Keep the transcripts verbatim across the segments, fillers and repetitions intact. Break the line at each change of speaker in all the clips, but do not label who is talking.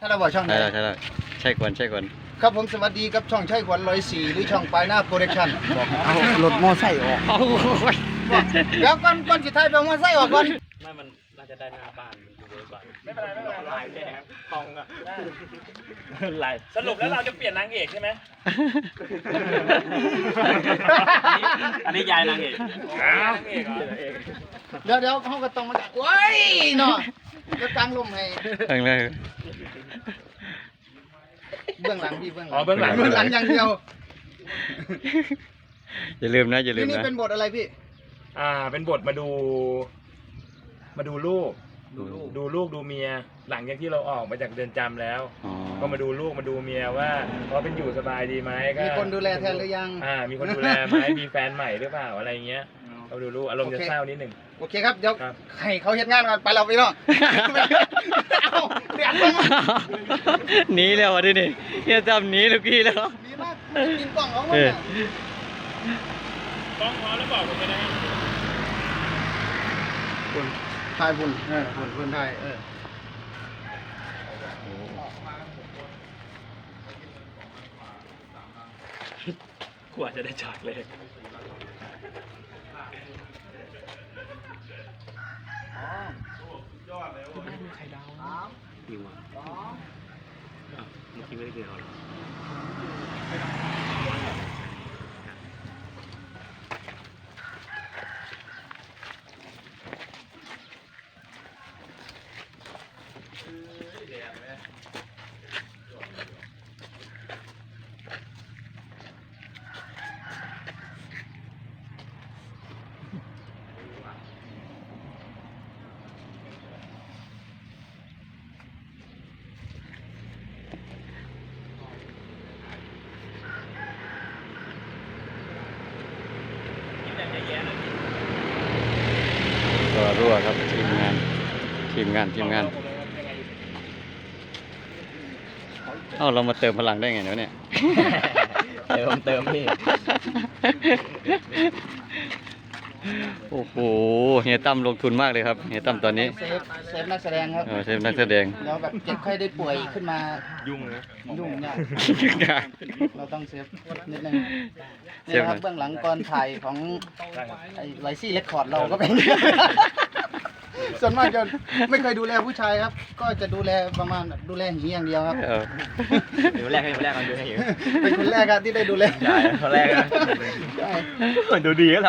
ถ้าเราบอกช่องไหน
ใช่แล้วใช่แล้วใช่ควรใช่ควร
ครับผมสวัสดีครับช่องใช่ขวัญร้อยสี่หรือช่องปลายหน้าโปรดักชั่นบอกเอารถมอไซค์ออก
โอ้ย
เดี๋ยวก่อนก่อนสุดท้ายไปเอามอไซค์ออกก่อน
ไม่มันน่าจะได้หน้าบ้านมันอยู่เวิร์กก่อน
ไม่เป็นไรไม่เป็นไร
ลายแดงทองอ่ะลายสรุปแล้วเราจะเปลี่ยนนางเอกใช่ไหมอันนี้ยายนางเอกนางเอกเหรอ
เดี๋ยวเดี๋ยวเขาก็ต้องมาโอ้ยเนาะเดี๋ยวกลางลมให้
เองเลย
เบื้องหลังพี่เบื้องหลั
อ๋อเบื้องหลัง
เบื้องหลังอย่างเดียว
อย่าลืมนะอย่าลื
นี่
ม
นี่
นะ
เป็นบทอะไรพี่
อ่าเป็นบทมาดู มาดูลูก
ดูลูก
ดูลูกดูเมีย หลังจากที่เราออกมาจากเรือนจำแล้ว
อ๋อ
ก็มาดูลูกมาดูเมียว่าเขาเป็นอยู่สบายดีไหมก็
มีคนดูแลแทนหรือยัง
อ่า มีคนดูแลไหมมีแฟนใหม่หรือเปล่าอะไรเงี้ยเขาดูลูกอารมณ์จะเศร้านิดหนึ่ง
โอเคครับเดี๋ยว
ครับ
ให้เขาเฮ็ดงานก่อนไปเราไปเนาะเอาเดี๋ยวมา
หนีแล้วอ่ะดินี่เฮียจำหนีลูกพี่แล้ว
ดีมากกินกล่องของมัน
เออ
น่ะ
ต้องพอแล้วบอกผมไปนะ
คุณทายบุญเออคุณคุณทายเออ
กว่าจะได้ฉากเลย จริงวะเมื่อกี้ไม่ได้กินเขาหรอกินแบบแย่ๆนะ
ตัวรั่วครับทีมงานทีมงานทีมงานเอ้าเรามาเติมพลังได้ไงเนาะเนี่ย
เติมเติมพี่
โอ้โหเฮียตั้มลงทุนมากเลยครับเฮียตั้มตอนนี้
เซฟเซฟนักแสดงครับ
เออเซฟนักแสดง
แล้วแบบเจ็บไข้ได้ป่วยขึ้นมา
ยุ่งเลย
ยุ่งยากเราต้องเซฟนิดนึง
เซ
นี่
ฟ
นะครับเบื้องหลังก่อนถ่ายของไอ้ไลซี่เรคคอร์ดเราก็เป็น ส่วนมากจะไม่เคยดูแลผู้ชายครับ ก็จะดูแลประมาณแบบดูแลหีอย่างเดียวครับ
เออ
เดี๋ยวแรกให้แรกมันดูให้อยู่
เป็นคนแรกครับที่ได้ดูแล
ใช่คนแรกนะ
ใช่
ดูดีก็เรา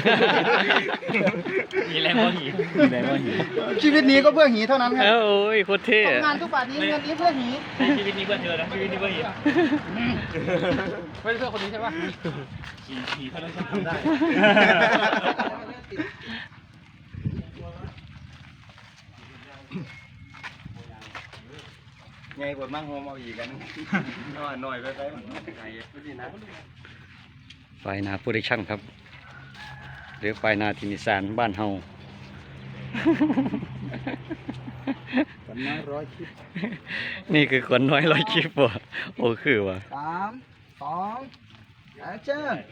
มีแรงว่าหีมีแรงว่าหี
ชีวิตนี้ก็เพื่อหีเท่านั้นค
เอ
รับ
อโอ้ยโคตรเท่
ทำงานทุกบาทนี้เงินนี้เพื่อหี
ชีวิตนี้เพื่อเธอนะชีวิตนี้เพื่อหีไม่เพื่อคนนี้ใช่ปะหีหีเท่านั้นฉันทำได้
ไงกดมั่งโฮมเอาอีกกันน้อยหน่อยไปไปไงไม่ดีนะ
ไฟนาโปรดักชั่นครับ หรือไฟนาทินิสานบ้านเฮา
กันน้อยร้อยคลิป
นี่คือคนน้อยร้อยคลิปว่ะโอ้คือว่ะ
สามสองแอคชั่น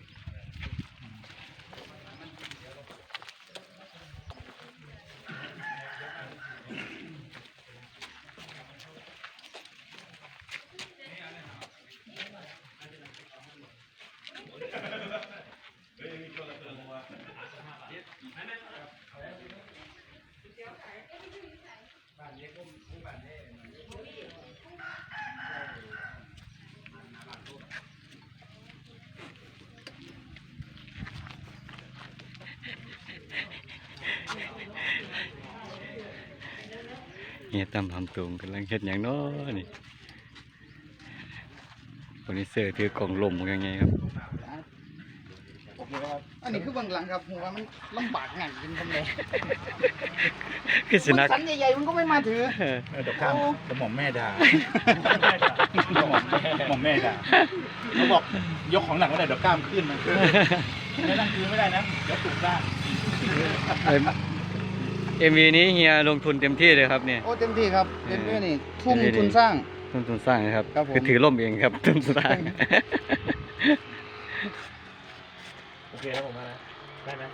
เฮียตั้มทำตุงกำลังเฮ็ดอย่างน้อนี่คนนี้เสือถือกล่องลมยังไงครับ
โอเคครับอันนี้คือเบื้องหลังครับผมว่ามันลำบากหนักจริงทำไง
คือสิ
มัน
นัก
สันใหญ่ๆมันก็ไม่มาถือ
เดี๋ยวข้ามเดี๋ยวหม่อมแม่ด่าหม่อมหม่อมแม่ด่าเขาบอกยกของหนักไม่ได้เดี๋ยวกล้ามขึ้นนะไม่นั่งคือไม่ได้นะเดี๋ยวตุกได้
เอ็มวีนี้เฮียลงทุนเต็มที่เลยครับเนี่ย
โอ้เต็มที่ครับเต็มที่นี่ทุ่ม
เต็มที่
ทุนสร้าง
ทุนทุนสร้างนะครับ
ครับผม
คือถือร่มเองครับทุนสร้าง
โอเคแล้วผมมานะได้ไหม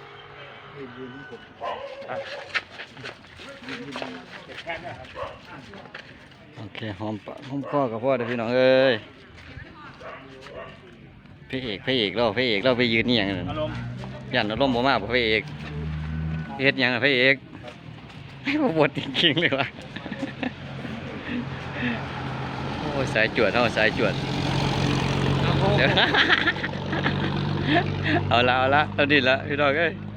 อ่ะเก็บแค่นี้ครับ
โอเคหอมปากหอมคอกับพ่อเด้อพี่น้องเอ้ยพระเอกพระเอกเราพระเอกเราไปยืนนี่อย่างนั้น
อารมณ์
ยันอารมณ์บ่มากบ่พระเอกเฮ็ดหยังอะพระเอกบ่บทจริงๆเลยวะโอ้ยสายจวดเฮาสายจวดเดี๋ยวเอาละเอาละตอนนี้ละพี่น้องเอ้ย